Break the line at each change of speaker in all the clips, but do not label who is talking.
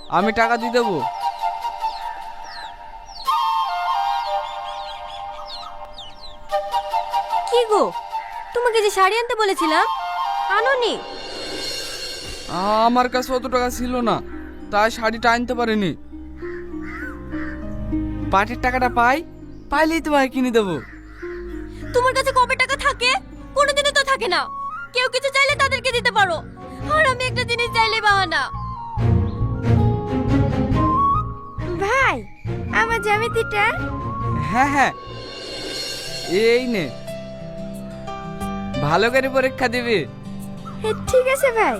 আমি টাকা দিয়ে দেবো।
কি গো, তোমাকে যে শাড়ি আনতে বলেছিলাম আনোনি?
আমার কাছে অত টাকা ছিল না, তাই শাড়িটা আনতে পারিনি। পাটের টাকাটা পাইলেই তোমায় কিনে দেবো।
তোমার কাছে কবে টাকা থাকে? কোনোদিনই তো থাকে না। কেউ কিছু চাইলে তাদেরকে দিতে পারো, আর আমি একটা জিনিস চাইলে বাহানা। ভাই, আমার জ্যামিতিটা।
হ্যাঁ হ্যাঁ, এই নে, ভালো করে পরীক্ষা দিবি।
ঠিক আছে ভাই।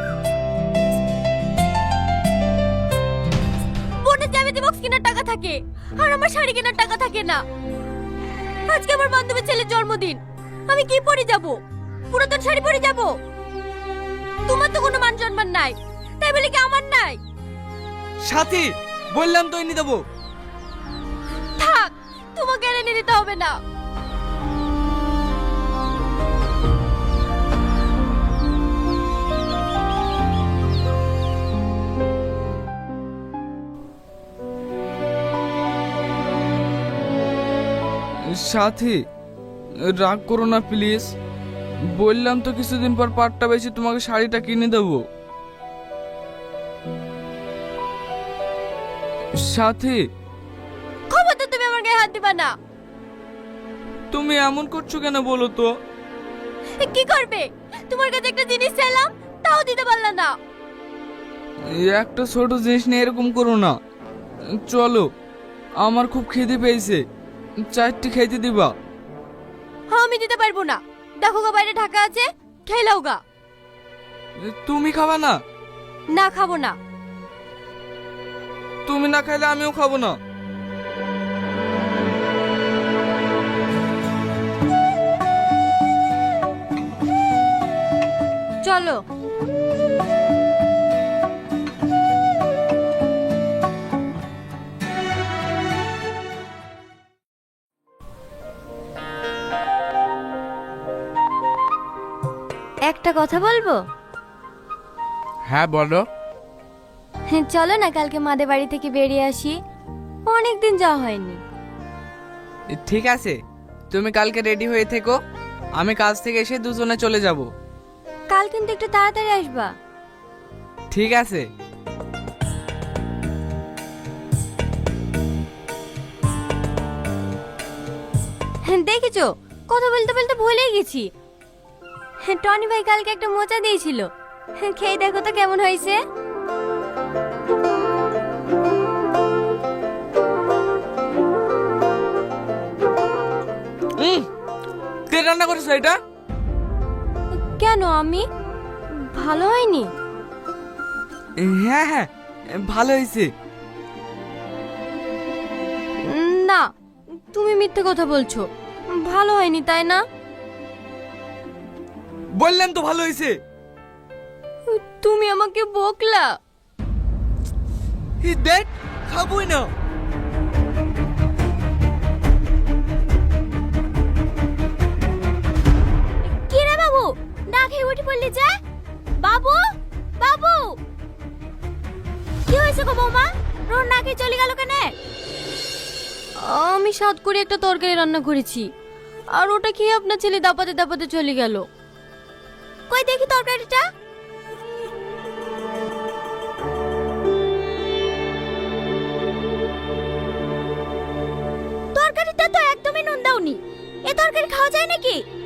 বোনের জ্যামিতি বক্স কেনার টাকা থাকে, আর আমার শাড়ি কেনার টাকা থাকে না। আজকে আমার বান্ধবীর ছেলের জন্মদিন, আমি কি পরে যাব? পুরাতন শাড়ি পরে যাব? তোমার তো কোনো মান সম্মান নাই, তাই বলে কি আমার নাই?
সাথী, বললাম তো এনে দেবো।
থাক, তোমাকে আর এনে দিতে হবে না।
সাথী, রাগ করো না প্লিজ। বললাম তো কিছুদিন পর পাটটা বেশি তোমাকে শাড়িটা কিনে দেবো। সাথী,
খবরদার তুমি আমার গায়ে হাত দিবা না।
তুমি এমন করছো কেন বলো তো?
কি করবে? তোমার কাছে একটা জিনিস চাইলাম, তাও দিতে পারলা না।
এই একটা ছোট জিনিস নিয়ে এরকম করো না। চলো, আমার খুব খিদে পেয়েছে, চারটি খেতে দিবা।
হ্যাঁ, আমি দিতে পারবো না। দেখো গা, বাইরে ঢাকা আছে, খেলাও গা।
তুমি খাবা না?
না, খাবো না।
তুমি না খাইলে আমিও খাবো না।
চলো। একটা কথা বলবো?
হ্যাঁ বলো।
চলো না, কালকে মাদের বাড়ি থেকে বেরিয়ে আসি। অনেকদিন যাওয়া হয়নি।
ঠিক আছে, তুমি কালকে রেডি হয়ে থেকো, আমি কাজ থেকে এসে দুজনে চলে যাব।
কাল কিন্তু একটু তাড়াতাড়ি আসবা।
ঠিক আছে।
দেখেছো, কথা বলতে বলতে ভুলেই গেছি। টনি ভাই কালকে একটা মোচা দিয়েছিল, খেয়ে দেখো তো কেমন হয়েছে।
কে রান্না করেছো এটা?
কেন, আমি? ভালো হয়নি?
হ্যাঁ হ্যাঁ, ভালো হয়েছে।
না, তুমি মিথ্যে কথা বলছো। ভালো হয়নি, তাই না?
বললাম তো ভালো হয়েছে।
তুমি আমাকে বকলা।
দেখ, খাবোই না।
কি রে বাবু, না খেয়ে উঠে পড়লি যে? বাবু, বাবু, কি হয়েছে গো বৌমা? রোন না খেয়ে চলে গেল কেন? আমি সাত করে একটা তরকারি রান্না করেছি, আর ওটা খেয়ে আপনার ছেলে দাপাতে দাপাতে চলে গেল। কই দেখি তরকারিটা। তরকারিটা তো একদমই নুন দাওনি। এ তরকারি খাওয়া যায় নাকি?